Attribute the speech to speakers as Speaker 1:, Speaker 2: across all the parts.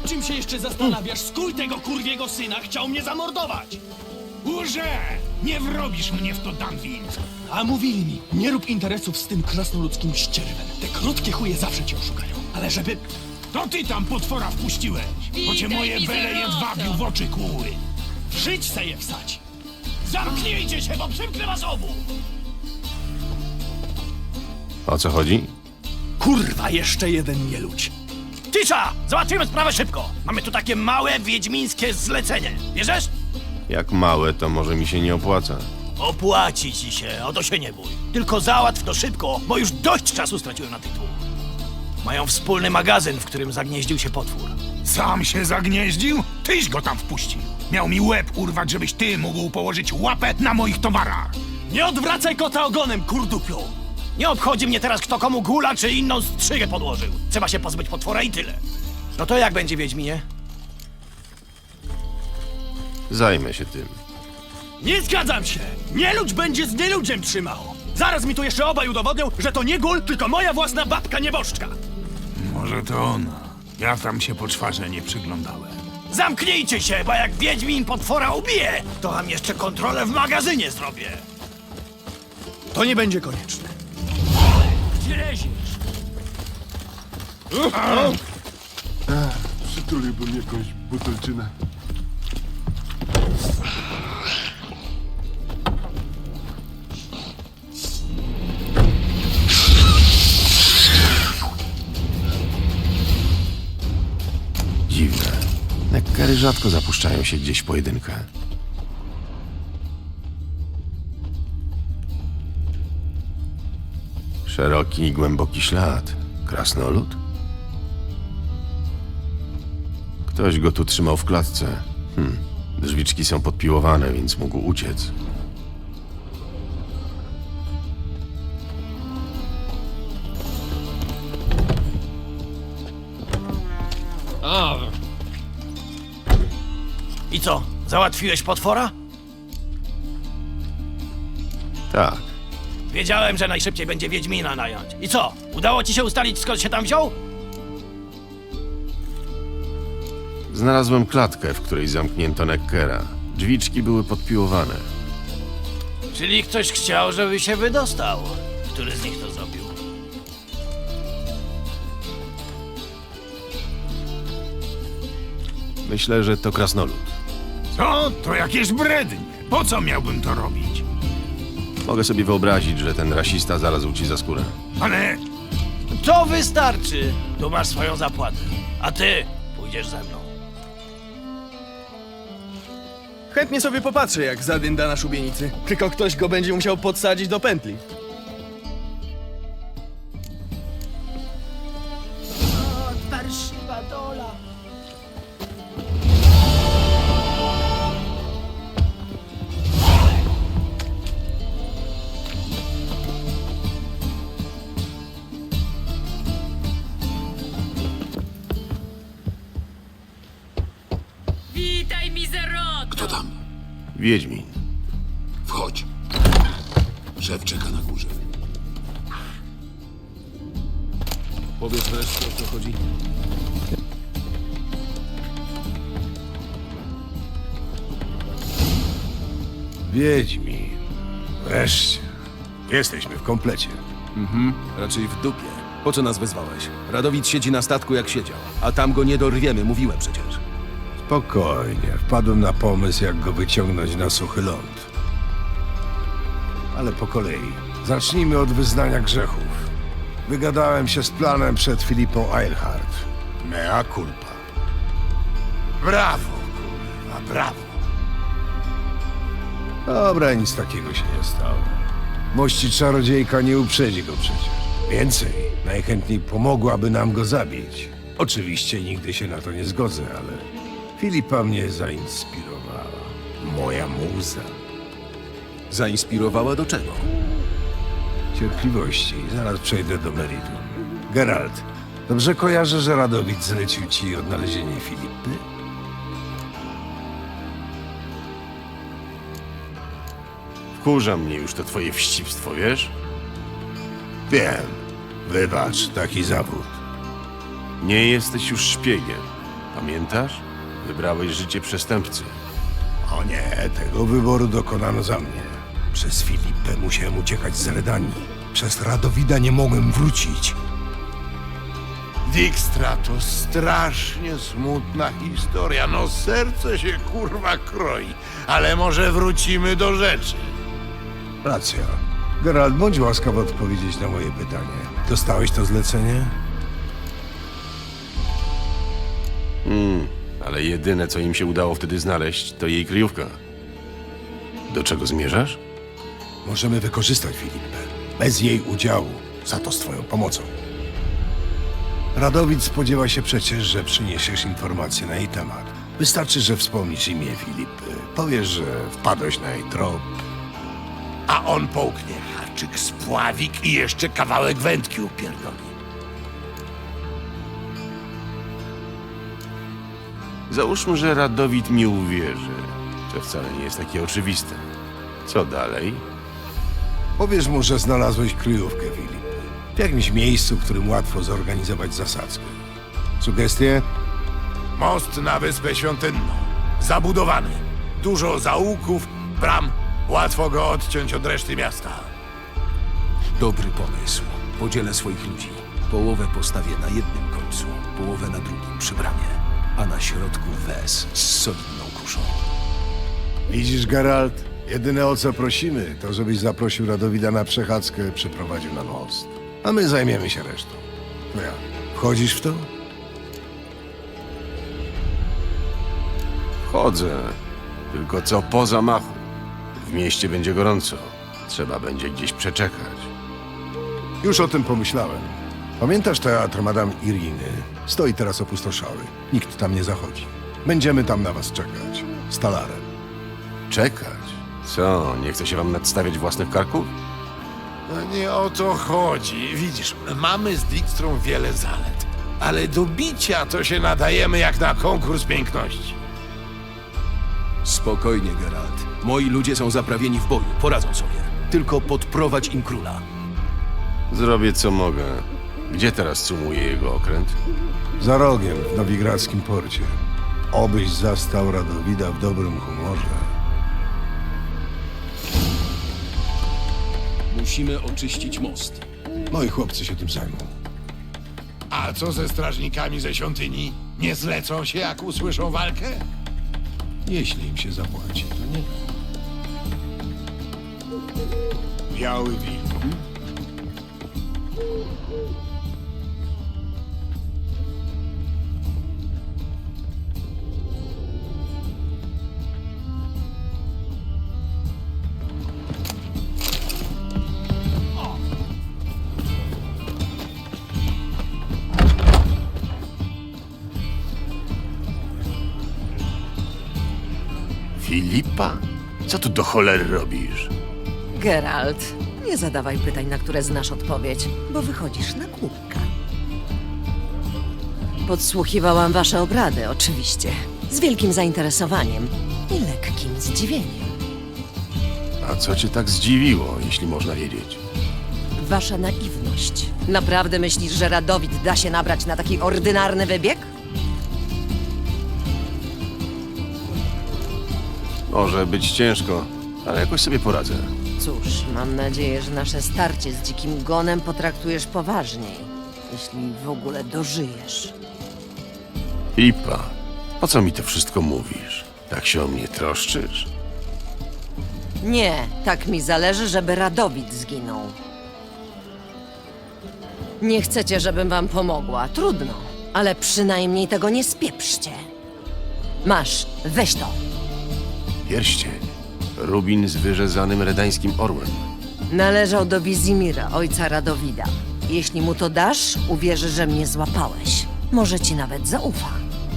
Speaker 1: Nad czym się jeszcze zastanawiasz? Skój tego kurwiego syna chciał mnie zamordować!
Speaker 2: Łże! Nie wrobisz mnie w to, Dunwin!
Speaker 1: A mówili mi, nie rób interesów z tym krasnoludzkim ścierwem. Te krótkie chuje zawsze cię oszukają. Ale żeby...
Speaker 2: To ty tam potwora wpuściłeś, bo cię moje bele jedwabiu w oczy kłuły.
Speaker 1: w żyć se je wsadzi.
Speaker 2: Zamknijcie się, bo przymknę was obu!
Speaker 3: O co chodzi?
Speaker 1: Kurwa, jeszcze jeden nieludź.
Speaker 2: Cisza! Załatwimy sprawę szybko! Mamy tu takie małe, wiedźmińskie zlecenie. Bierzesz?
Speaker 3: Jak małe, to może mi się nie opłaca.
Speaker 2: Opłaci ci się, o to się nie bój. Tylko załatw to szybko, bo już dość czasu straciłem na tych dwóch. Mają wspólny magazyn, w którym zagnieździł się potwór.
Speaker 4: Sam się zagnieździł? Tyś go tam wpuścił. Miał mi łeb urwać, żebyś ty mógł położyć łapę na moich towarach.
Speaker 1: Nie odwracaj kota ogonem, kurdupiu!
Speaker 2: Nie obchodzi mnie teraz, kto komu gula czy inną strzygę podłożył. Trzeba się pozbyć potwora i tyle. No to jak będzie, Wiedźminie?
Speaker 3: Zajmę się tym.
Speaker 1: Nie zgadzam się! Nieludź będzie z nieludziem trzymał! Zaraz mi tu jeszcze obaj udowodnią, że to nie gól, tylko moja własna babka nieboszczka!
Speaker 4: Może to ona. Ja tam się po czwarze nie przyglądałem.
Speaker 2: Zamknijcie się, bo jak Wiedźmin potwora ubije, to wam jeszcze kontrolę w magazynie zrobię.
Speaker 1: To nie będzie konieczne.
Speaker 2: Gdzie leziesz?
Speaker 5: Przytuliłbym jakąś butelczynę.
Speaker 3: Dziwne. Nekkery rzadko zapuszczają się gdzieś w pojedynkę. Szeroki i głęboki ślad. Krasnolud? Ktoś go tu trzymał w klatce. Drzwiczki są podpiłowane, więc mógł uciec.
Speaker 2: I co, załatwiłeś potwora?
Speaker 3: Tak.
Speaker 2: Wiedziałem, że najszybciej będzie Wiedźmina nająć. I co, udało ci się ustalić, skąd się tam wziął?
Speaker 3: Znalazłem klatkę, w której zamknięto Nekkera. Drzwiczki były podpiłowane.
Speaker 2: Czyli ktoś chciał, żeby się wydostał. Który z nich to zrobił?
Speaker 3: Myślę, że to krasnolud.
Speaker 4: Co? To jakieś brednie. Po co miałbym to robić?
Speaker 3: Mogę sobie wyobrazić, że ten rasista zarazł ci za skórę.
Speaker 4: Ale
Speaker 2: To wystarczy. Tu masz swoją zapłatę. A ty pójdziesz ze mną.
Speaker 6: Chętnie sobie popatrzę, jak zadynda na szubienicy. Tylko ktoś go będzie musiał podsadzić do pętli.
Speaker 7: Parszywa dola.
Speaker 8: Witaj, mizeroto!
Speaker 9: Kto tam?
Speaker 3: Wiedźmin.
Speaker 9: Wchodź. Szef czeka na górze.
Speaker 5: Powiedz wreszcie, o co chodzi.
Speaker 4: Wiedźmi. Wreszcie. Jesteśmy w komplecie.
Speaker 5: Raczej w dupie. Po co nas wezwałeś? Radowid siedzi na statku jak siedział, a tam go nie dorwiemy, mówiłem przecież.
Speaker 10: Spokojnie, wpadłem na pomysł, jak go wyciągnąć na suchy ląd. Ale po kolei. Zacznijmy od wyznania grzechów. Wygadałem się z planem przed Filipą Eilhart. Mea culpa.
Speaker 4: Brawo, kurwa, brawo.
Speaker 10: Dobra, nic takiego się nie stało. Mości czarodziejka nie uprzedzi go przecież. Więcej, najchętniej pomogłaby nam go zabić. Oczywiście nigdy się na to nie zgodzę, ale Filipa mnie zainspirowała. Moja muza.
Speaker 5: Zainspirowała do czego?
Speaker 10: Cierpliwości, zaraz przejdę do meritum. Geralt, dobrze kojarzę, że Radowid zlecił ci odnalezienie Filipy?
Speaker 3: Wkurza mnie już to twoje wścibstwo, wiesz?
Speaker 10: Wiem. Wybacz, taki zawód.
Speaker 3: Nie jesteś już szpiegiem. Pamiętasz? Wybrałeś życie przestępcy.
Speaker 10: O nie, tego wyboru dokonano za mnie. Przez Filipę musiałem uciekać z Redanii. Przez Radowida nie mogłem wrócić.
Speaker 9: Dijkstra to strasznie smutna historia. No serce się kurwa kroi. Ale może wrócimy do rzeczy.
Speaker 10: Racja. Geralt, bądź łaskaw odpowiedzieć na moje pytanie. Dostałeś to zlecenie?
Speaker 3: Ale jedyne, co im się udało wtedy znaleźć, to jej kryjówka. Do czego zmierzasz?
Speaker 10: Możemy wykorzystać Filipę. Bez jej udziału. Za to z twoją pomocą. Radowid spodziewa się przecież, że przyniesiesz informacje na jej temat. Wystarczy, że wspomnisz imię Filipy. Powiesz, że wpadłeś na jej trop.
Speaker 9: A on połknie haczyk, spławik i jeszcze kawałek wędki upierdoli.
Speaker 3: Załóżmy, że Radowid mi uwierzy. To wcale nie jest takie oczywiste. Co dalej?
Speaker 10: Powiesz mu, że znalazłeś kryjówkę Filipy. W jakimś miejscu, w którym łatwo zorganizować zasadzkę. Sugestie?
Speaker 9: Most na Wyspę Świątynną. Zabudowany. Dużo zaułków, bram. Łatwo go odciąć od reszty miasta.
Speaker 5: Dobry pomysł. Podzielę swoich ludzi. Połowę postawię na jednym końcu, połowę na drugim przy bramie, a na środku wes z solidną kuszą.
Speaker 10: Widzisz, Geralt? Jedyne o co prosimy, to żebyś zaprosił Radowida na przechadzkę, przyprowadził na most. A my zajmiemy się resztą. No ja, wchodzisz w to?
Speaker 3: Wchodzę. Tylko co po zamachu? W mieście będzie gorąco. Trzeba będzie gdzieś przeczekać.
Speaker 10: Już o tym pomyślałem. Pamiętasz teatr Madame Iriny? Stoi teraz opustoszały. Nikt tam nie zachodzi. Będziemy tam na was czekać. Z talarem.
Speaker 3: Czekać? Co, nie chce się wam nadstawiać własnych karków?
Speaker 9: No nie o to chodzi. Widzisz, mamy z Dijkstrą wiele zalet. Ale do bicia to się nadajemy jak na konkurs piękności.
Speaker 5: Spokojnie, Geralt. Moi ludzie są zaprawieni w boju, poradzą sobie. Tylko podprowadź im króla.
Speaker 3: Zrobię co mogę. Gdzie teraz sumuje jego okręt?
Speaker 10: Za rogiem, w nowigradzkim porcie. Obyś zastał Radowida w dobrym humorze.
Speaker 5: Musimy oczyścić most.
Speaker 10: Moi chłopcy się tym zajmą.
Speaker 9: A co ze strażnikami ze świątyni? Nie zlecą się, jak usłyszą walkę?
Speaker 10: Jeśli im się zapłaci, to nie.
Speaker 9: Biały wilk.
Speaker 3: Filipa? Co tu do cholery robisz?
Speaker 7: Geralt, nie zadawaj pytań, na które znasz odpowiedź, bo wychodzisz na głupka. Podsłuchiwałam wasze obrady, oczywiście. Z wielkim zainteresowaniem i lekkim zdziwieniem.
Speaker 3: A co cię tak zdziwiło, jeśli można wiedzieć?
Speaker 7: Wasza naiwność. Naprawdę myślisz, że Radowid da się nabrać na taki ordynarny wybieg?
Speaker 3: Może być ciężko, ale jakoś sobie poradzę.
Speaker 7: Cóż, mam nadzieję, że nasze starcie z dzikim gonem potraktujesz poważniej, jeśli w ogóle dożyjesz.
Speaker 3: Filipa, po co mi to wszystko mówisz? Tak się o mnie troszczysz?
Speaker 7: Nie, tak mi zależy, żeby Radowid zginął. Nie chcecie, żebym wam pomogła. Trudno, ale przynajmniej tego nie spieprzcie. Masz, weź to.
Speaker 3: Pierścień. Rubin z wyrzezanym redańskim orłem.
Speaker 7: Należał do Wizimira, ojca Radowida. Jeśli mu to dasz, uwierzy, że mnie złapałeś. Może ci nawet zaufa.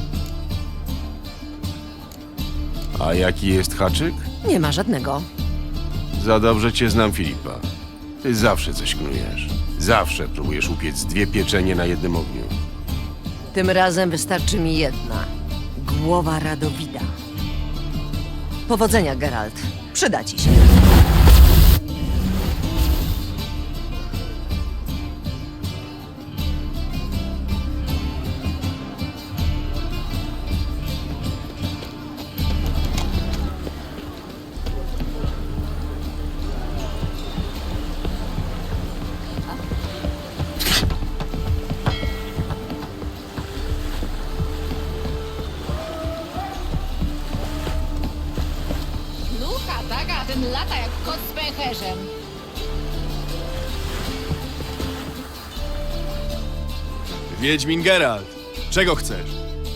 Speaker 3: A jaki jest haczyk?
Speaker 7: Nie ma żadnego.
Speaker 3: Za dobrze cię znam, Filipa. Ty zawsze coś knujesz. Zawsze próbujesz upiec dwie pieczenie na jednym ogniu.
Speaker 7: Tym razem wystarczy mi jedna. Głowa Radowida. Powodzenia, Geralt. Przyda ci się.
Speaker 8: Ten lata jak kot z pęcherzem.
Speaker 6: Wiedźmin Geralt, czego chcesz?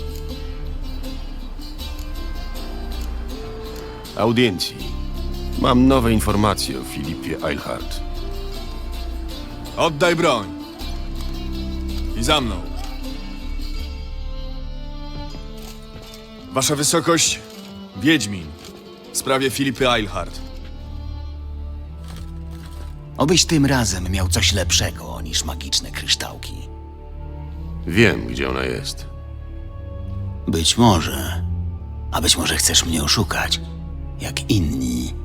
Speaker 3: Audiencji. Mam nowe informacje o Filipie Eilhart.
Speaker 6: Oddaj broń. I za mną. Wasza wysokość, Wiedźmin. W sprawie Filipy Eilhart.
Speaker 2: Obyś tym razem miał coś lepszego niż magiczne kryształki.
Speaker 3: Wiem, gdzie ona jest.
Speaker 2: Być może. A być może chcesz mnie oszukać. Jak inni.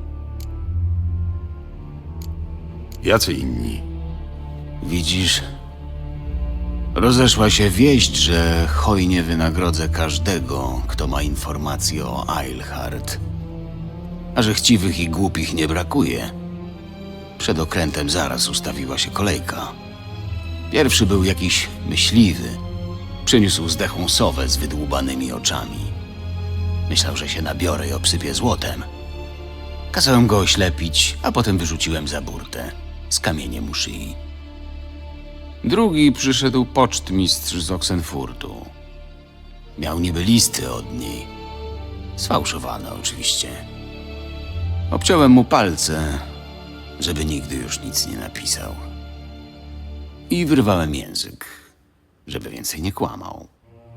Speaker 3: Jacy inni?
Speaker 2: Widzisz? Rozeszła się wieść, że hojnie wynagrodzę każdego, kto ma informacje o Eilhart. A że chciwych i głupich nie brakuje. Przed okrętem zaraz ustawiła się kolejka. Pierwszy był jakiś myśliwy. Przyniósł zdechłą sowę z wydłubanymi oczami. Myślał, że się nabiorę i obsypię złotem. Kazałem go oślepić, a potem wyrzuciłem za burtę z kamieniem u szyi. Drugi przyszedł pocztmistrz z Oxenfurtu. Miał niby listy od niej. Sfałszowane oczywiście. Obciąłem mu palce, żeby nigdy już nic nie napisał. I wyrwałem język, żeby więcej nie kłamał.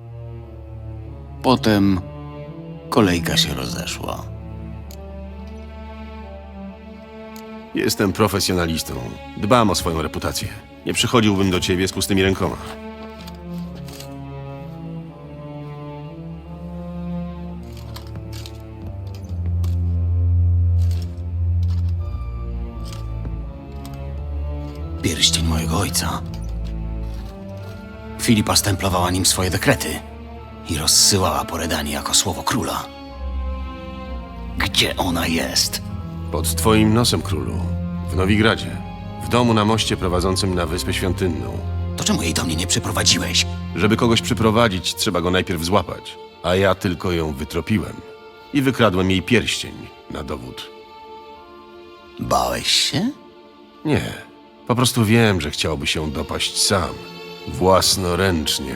Speaker 2: Potem kolejka się rozeszła.
Speaker 3: Jestem profesjonalistą. Dbam o swoją reputację. Nie przychodziłbym do ciebie z pustymi rękoma.
Speaker 2: Pierścień mojego ojca. Filipa stemplowała nim swoje dekrety i rozsyłała po Redanii jako słowo króla. Gdzie ona jest?
Speaker 3: Pod twoim nosem, królu. W Nowigradzie. W domu na moście prowadzącym na Wyspę Świątynną.
Speaker 2: To czemu jej do mnie nie przyprowadziłeś?
Speaker 3: Żeby kogoś przyprowadzić, trzeba go najpierw złapać. A ja tylko ją wytropiłem. I wykradłem jej pierścień na dowód.
Speaker 2: Bałeś się?
Speaker 3: Nie. Po prostu wiem, że chciałby się dopaść sam. Własnoręcznie.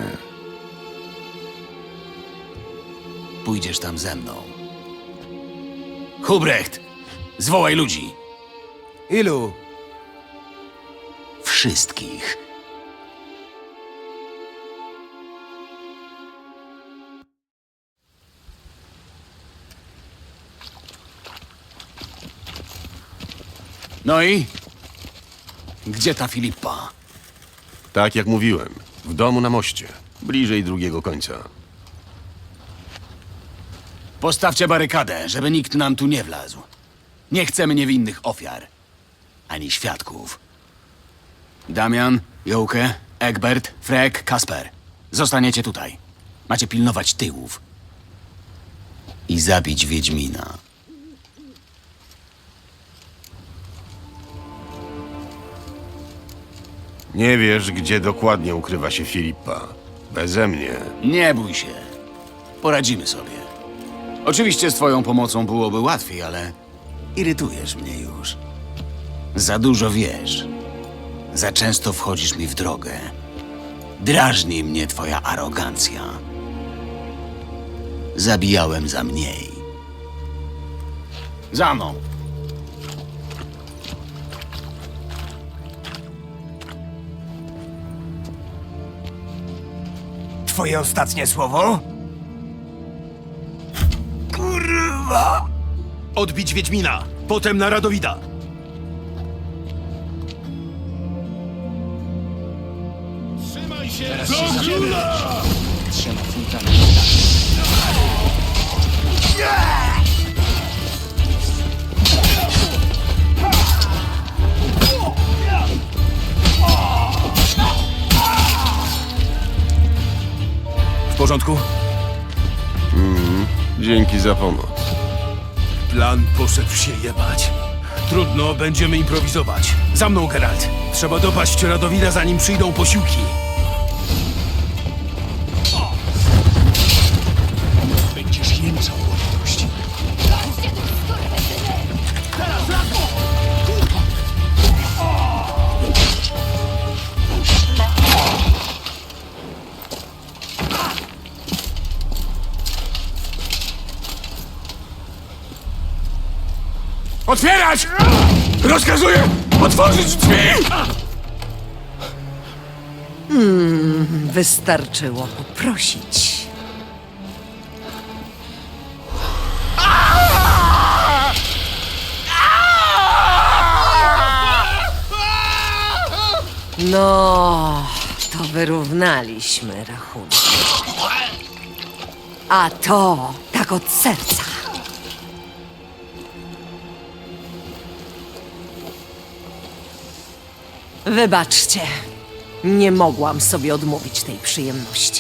Speaker 2: Pójdziesz tam ze mną. Hubrecht! Zwołaj ludzi!
Speaker 5: Ilu?
Speaker 2: Wszystkich. No i? Gdzie ta Filipa?
Speaker 3: Tak jak mówiłem. W domu na moście. Bliżej drugiego końca.
Speaker 2: Postawcie barykadę, żeby nikt nam tu nie wlazł. Nie chcemy niewinnych ofiar. Ani świadków. Damian, Jołkę, Egbert, Frek, Kasper. Zostaniecie tutaj. Macie pilnować tyłów. I zabić Wiedźmina.
Speaker 3: Nie wiesz, gdzie dokładnie ukrywa się Filipa. Beze mnie.
Speaker 2: Nie bój się. Poradzimy sobie. Oczywiście z twoją pomocą byłoby łatwiej, ale irytujesz mnie już. Za dużo wiesz. Za często wchodzisz mi w drogę. Drażni mnie twoja arogancja. Zabijałem za mniej. Za mną.
Speaker 1: Twoje ostatnie słowo?
Speaker 2: Kurwa!
Speaker 1: Odbić Wiedźmina, potem na Radowida. W porządku?
Speaker 3: Dzięki za pomoc.
Speaker 1: Plan poszedł się jebać. Trudno, będziemy improwizować. Za mną, Geralt. Trzeba dopaść Radowida, zanim przyjdą posiłki. Będziesz jęczał o litości. Teraz
Speaker 3: Otwierać! Rozkazuję otworzyć drzwi!
Speaker 7: Wystarczyło poprosić. No, to wyrównaliśmy rachunek. A to tak od serca. Wybaczcie, nie mogłam sobie odmówić tej przyjemności.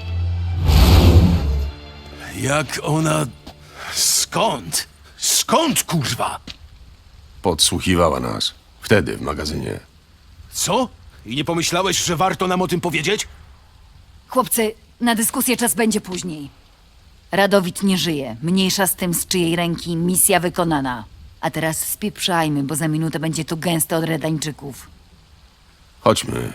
Speaker 1: Jak ona... Skąd? Skąd, kurwa?
Speaker 3: Podsłuchiwała nas. Wtedy w magazynie.
Speaker 1: Co? I nie pomyślałeś, że warto nam o tym powiedzieć?
Speaker 8: Chłopcy, na dyskusję czas będzie później. Radowid nie żyje. Mniejsza z tym, z czyjej ręki misja wykonana. A teraz spieprzajmy, bo za minutę będzie tu gęsto od Redańczyków.
Speaker 3: Chodźmy.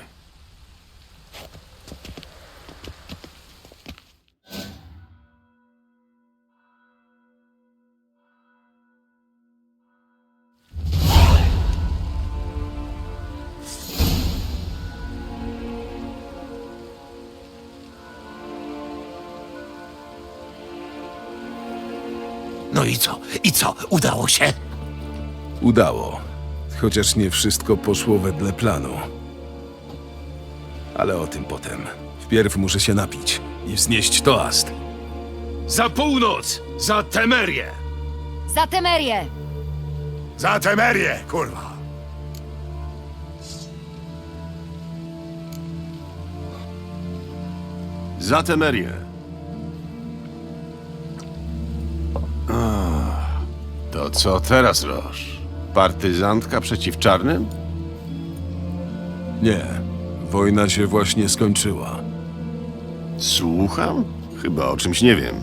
Speaker 9: No i co? I co? Udało się?
Speaker 5: Udało. Chociaż nie wszystko poszło wedle planu. Ale o tym potem. Wpierw muszę się napić i wznieść toast.
Speaker 1: Za północ! Za Temerię!
Speaker 8: Za Temerię!
Speaker 9: Za Temerię, kurwa!
Speaker 3: Za Temerię. To co teraz, Roż? Partyzantka przeciw czarnym?
Speaker 5: Nie, wojna się właśnie skończyła.
Speaker 3: Słucham? Chyba o czymś nie wiem.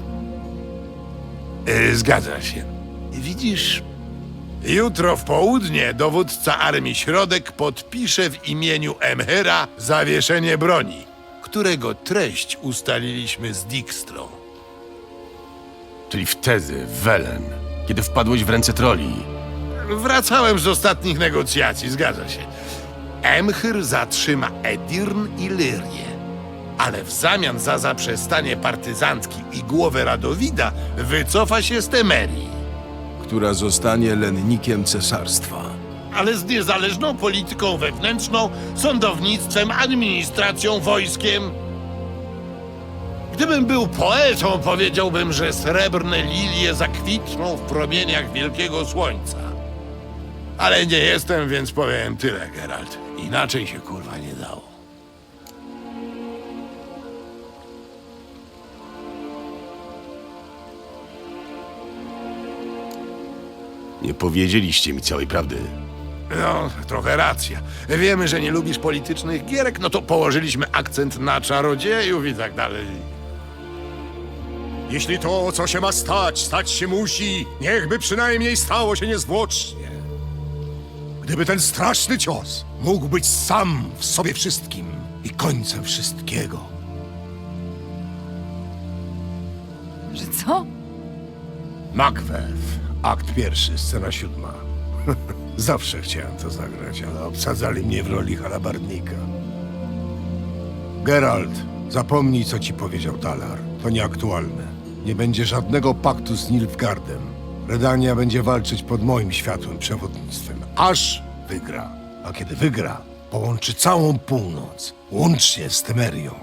Speaker 9: Zgadza się. Widzisz, jutro w południe dowódca Armii Środek podpisze w imieniu Emhyra zawieszenie broni, którego treść ustaliliśmy z Dijkstrą.
Speaker 3: Czyli wtedy, w Welen, kiedy wpadłeś w ręce troli.
Speaker 9: Wracałem z ostatnich negocjacji, zgadza się. Emhyr zatrzyma Edirn i Lyrię, ale w zamian za zaprzestanie partyzantki i głowę Radowida wycofa się z Temerii.
Speaker 5: Która zostanie lennikiem cesarstwa.
Speaker 9: Ale z niezależną polityką wewnętrzną, sądownictwem, administracją, wojskiem. Gdybym był poetą, powiedziałbym, że srebrne lilie zakwitną w promieniach wielkiego słońca. Ale nie jestem, więc powiem tyle, Geralt. Inaczej się kurwa nie dało.
Speaker 3: Nie powiedzieliście mi całej prawdy.
Speaker 9: No, trochę racja. Wiemy, że nie lubisz politycznych gierek, no to położyliśmy akcent na czarodziejów i tak dalej.
Speaker 11: Jeśli to, co się ma stać, stać się musi, niechby przynajmniej stało się niezwłocznie. Gdyby ten straszny cios mógł być sam w sobie wszystkim i końcem wszystkiego.
Speaker 8: Że co?
Speaker 10: Macbeth, akt 1, scena 7. Zawsze chciałem to zagrać, ale obsadzali mnie w roli halabardnika. Geralt, zapomnij, co ci powiedział Talar. To nieaktualne. Nie będzie żadnego paktu z Nilfgaardem. Redania będzie walczyć pod moim światłym przewodnictwem, aż wygra. A kiedy wygra, połączy całą północ, łącznie z Temerią.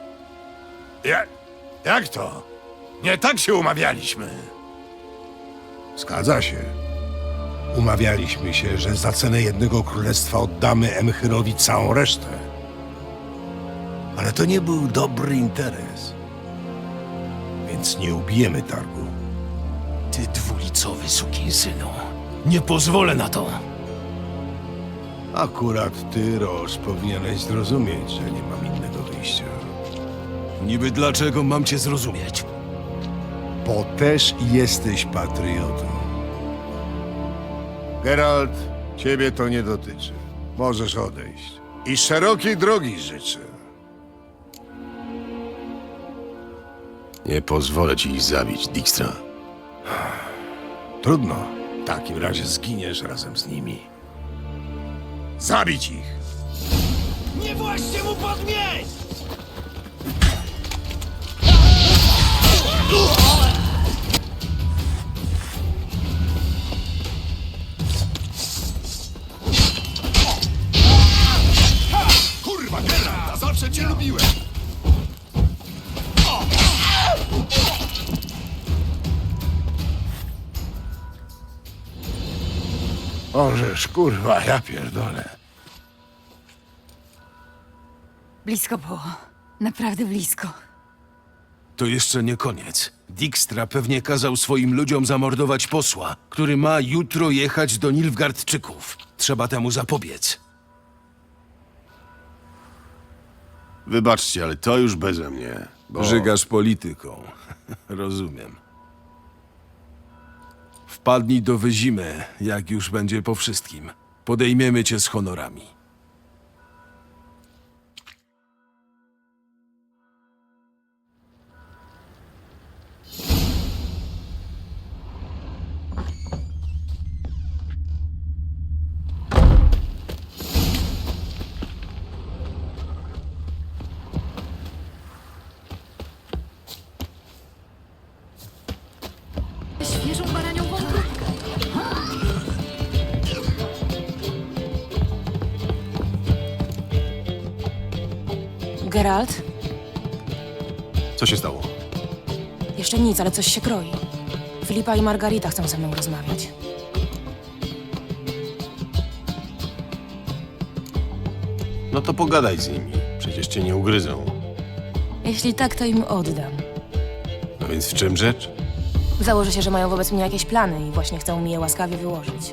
Speaker 9: Jak to? Nie tak się umawialiśmy.
Speaker 10: Zgadza się. Umawialiśmy się, że za cenę jednego królestwa oddamy Emchyrowi całą resztę. Ale to nie był dobry interes. Więc nie ubijemy targu.
Speaker 1: Ty dwulicowy sukinsynu. Nie pozwolę na to.
Speaker 10: Akurat ty, Roż, powinieneś zrozumieć, że nie mam innego wyjścia.
Speaker 1: Niby dlaczego mam cię zrozumieć?
Speaker 10: Bo też jesteś patriotą. Geralt, ciebie to nie dotyczy. Możesz odejść. I szerokiej drogi życzę.
Speaker 3: Nie pozwolę ci ich zabić, Dijkstra.
Speaker 10: Trudno. takim razie zginiesz razem z nimi. Zabić ich!
Speaker 4: Nie właśnie mu podmieć!
Speaker 11: Kurwa, Geralt, a zawsze cię lubiłem!
Speaker 10: Orzesz, kurwa, ja pierdolę.
Speaker 8: Blisko było. Naprawdę blisko.
Speaker 1: To jeszcze nie koniec. Dijkstra pewnie kazał swoim ludziom zamordować posła, który ma jutro jechać do Nilfgaardczyków. Trzeba temu zapobiec.
Speaker 3: Wybaczcie, ale to już beze mnie. Bo...
Speaker 5: Żygasz polityką. Rozumiem. Wpadnij do Wyzimy, jak już będzie po wszystkim. Podejmiemy cię z honorami.
Speaker 8: Świeżą baranią wątróbkę.
Speaker 12: Geralt?
Speaker 3: Co się stało?
Speaker 12: Jeszcze nic, ale coś się kroi. Filipa i Margarita chcą ze mną rozmawiać.
Speaker 3: No to pogadaj z nimi. Przecież cię nie ugryzą.
Speaker 12: Jeśli tak, to im oddam.
Speaker 3: No więc w czym rzecz?
Speaker 12: Założę się, że mają wobec mnie jakieś plany i właśnie chcą mi je łaskawie wyłożyć.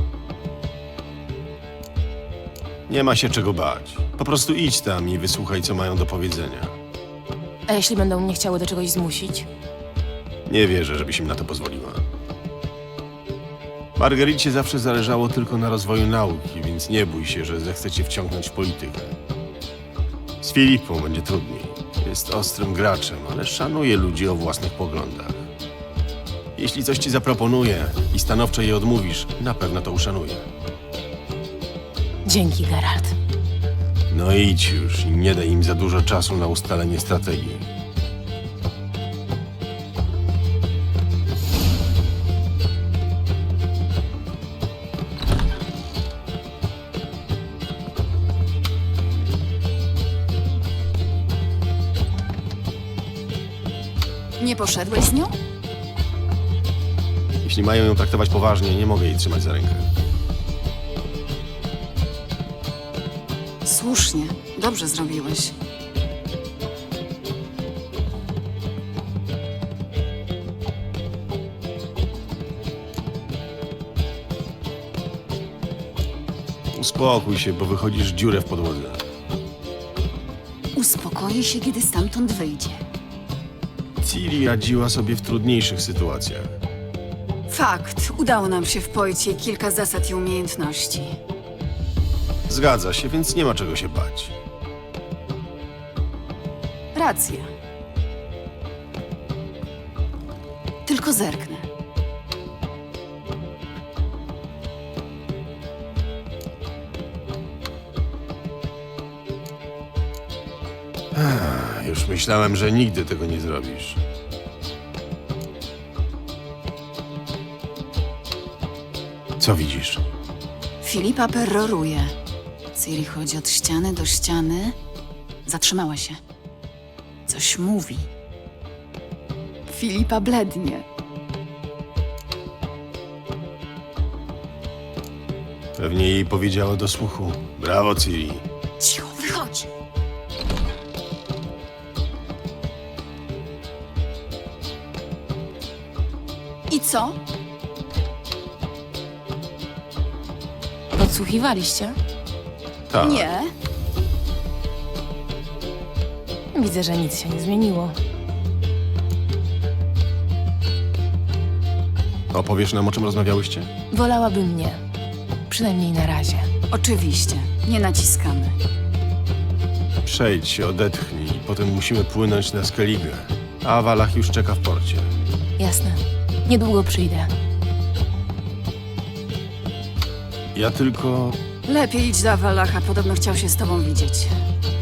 Speaker 3: Nie ma się czego bać. Po prostu idź tam i wysłuchaj, co mają do powiedzenia.
Speaker 12: A jeśli będą mnie chciały do czegoś zmusić?
Speaker 3: Nie wierzę, żebyś im na to pozwoliła. Margaricie zawsze zależało tylko na rozwoju nauki, więc nie bój się, że zechce cię wciągnąć w politykę. Z Filipą będzie trudniej. Jest ostrym graczem, ale szanuje ludzi o własnych poglądach. Jeśli coś ci zaproponuje i stanowczo jej odmówisz, na pewno to uszanuje.
Speaker 12: Dzięki, Geralt.
Speaker 3: No idź już i nie daj im za dużo czasu na ustalenie strategii.
Speaker 8: Nie poszedłeś z nią?
Speaker 3: Jeśli mają ją traktować poważnie, nie mogę jej trzymać za rękę.
Speaker 8: Słusznie. Dobrze zrobiłeś.
Speaker 3: Uspokój się, bo wychodzisz dziurę w podłodze.
Speaker 8: Uspokoi się, kiedy stamtąd wyjdzie.
Speaker 3: Ciri radziła sobie w trudniejszych sytuacjach.
Speaker 8: Fakt. Udało nam się wpoić jej kilka zasad i umiejętności.
Speaker 3: Zgadza się, więc nie ma czego się bać.
Speaker 8: Racja. Tylko zerknę.
Speaker 3: Już myślałem, że nigdy tego nie zrobisz. Co widzisz?
Speaker 8: Filipa peroruje. Ciri chodzi od ściany do ściany. Zatrzymała się. Coś mówi. Filipa blednie.
Speaker 3: Pewnie jej powiedziało do słuchu. Brawo, Ciri.
Speaker 8: Cicho, wychodź! I co?
Speaker 12: Podsłuchiwaliście?
Speaker 3: Tak.
Speaker 8: Nie.
Speaker 12: Widzę, że nic się nie zmieniło.
Speaker 3: Opowiesz nam, o czym rozmawiałyście?
Speaker 12: Wolałabym nie. Przynajmniej na razie.
Speaker 8: Oczywiście. Nie naciskamy.
Speaker 3: Przejdź się, odetchnij i potem musimy płynąć na Skellige. A Wallach już czeka w porcie.
Speaker 12: Jasne. Niedługo przyjdę.
Speaker 3: Ja tylko...
Speaker 8: Lepiej idź do Avalacha, podobno chciał się z tobą widzieć.